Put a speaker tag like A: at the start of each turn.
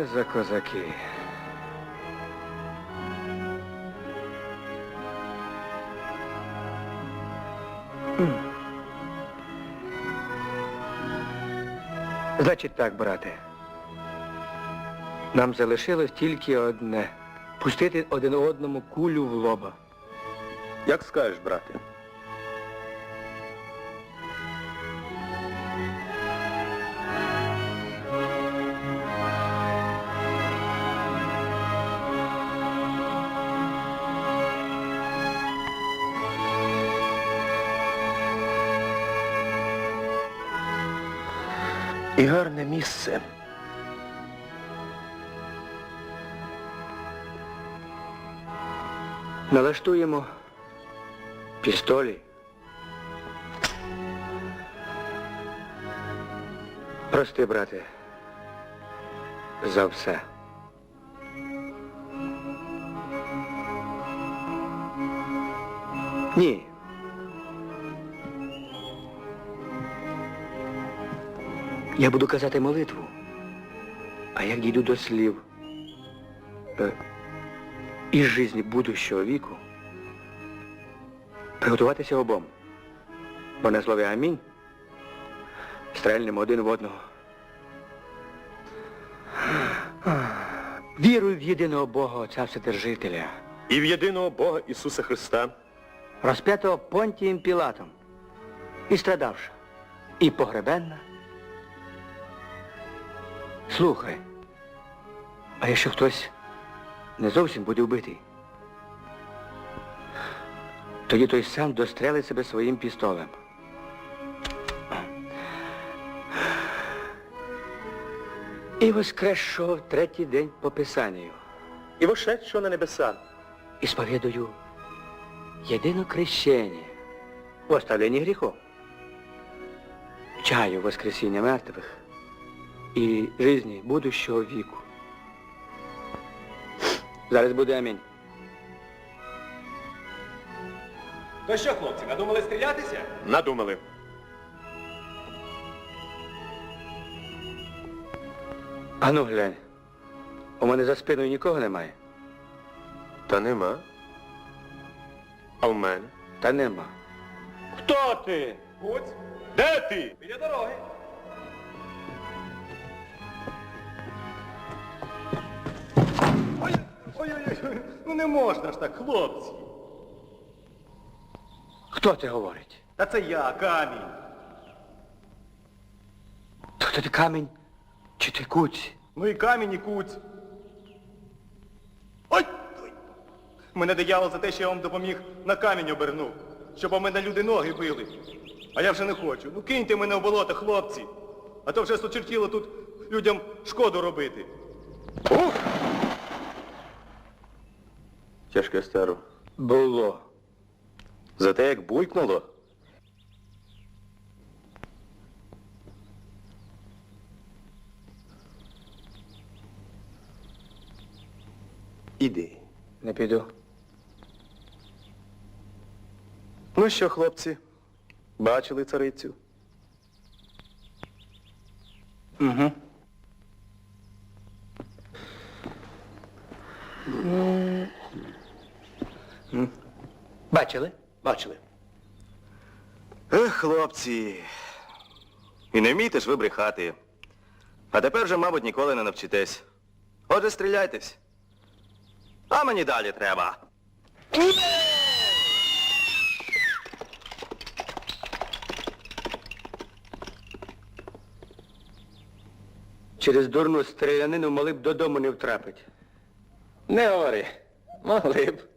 A: це за козаки? Значить так, брате. Нам залишилось тільки одне. Пустити один одному кулю в лоба.
B: Як скажеш, брате. І гарне місце.
A: Налаштуємо пістолі. Прости, брате, за все. Ні. Я буду казати молитву, а як дійду до слів із жизни будущого віку, приготуватися обом. Бо на слові амінь стрельнемо один в одного. Вірую в єдиного Бога, Отця Вседержителя.
B: І в єдиного Бога Ісуса Христа.
A: Розп'ятого Понтієм Пілатом. І страдавша. І погребенна. Слухай, а якщо хтось не зовсім буде вбитий, тоді той сам дострелить себе своїм пістолем. І воскресшого в третій день по Писанню.
B: І вошедшого на небеса.
A: І сповідую єдине крещення в оставленні гріхов. Чаю воскресіння мертвих і жизни будущого віку. Зараз буде амінь.
C: То що, хлопці, надумали стрілятися?
B: Надумали.
A: Ану, глянь. У мене за спиною нікого немає.
B: Та нема. А в мене?
A: Та нема.
B: Хто ти?
C: Гуць,
B: Де ти?
C: біля дороги. Ой-ой-ой, ну не можна ж так, хлопці.
A: Хто це говорить?
C: Та це я, камінь.
A: То хто ти камінь чи ти куць?
C: Ну і камінь, і куць. Ой! Ой! Мене диявол за те, що я вам допоміг, на камінь обернув. Щоб у мене люди ноги били. А я вже не хочу. Ну киньте мене в болото, хлопці. А то вже сочертіло тут людям шкоду робити.
B: Ух! Тяжке старо.
A: Було.
B: За те, як буйкнуло. Іди.
A: Не піду.
B: Ну що, хлопці, бачили царицю?
A: Угу. Бачили?
B: Бачили. Ех, хлопці. І не вмієте ж ви брехати. А тепер вже, мабуть, ніколи не навчитесь. Отже, стріляйтесь. А мені далі треба.
A: Через дурну стрілянину могли б додому не втрапити.
B: Не говори. Могли б.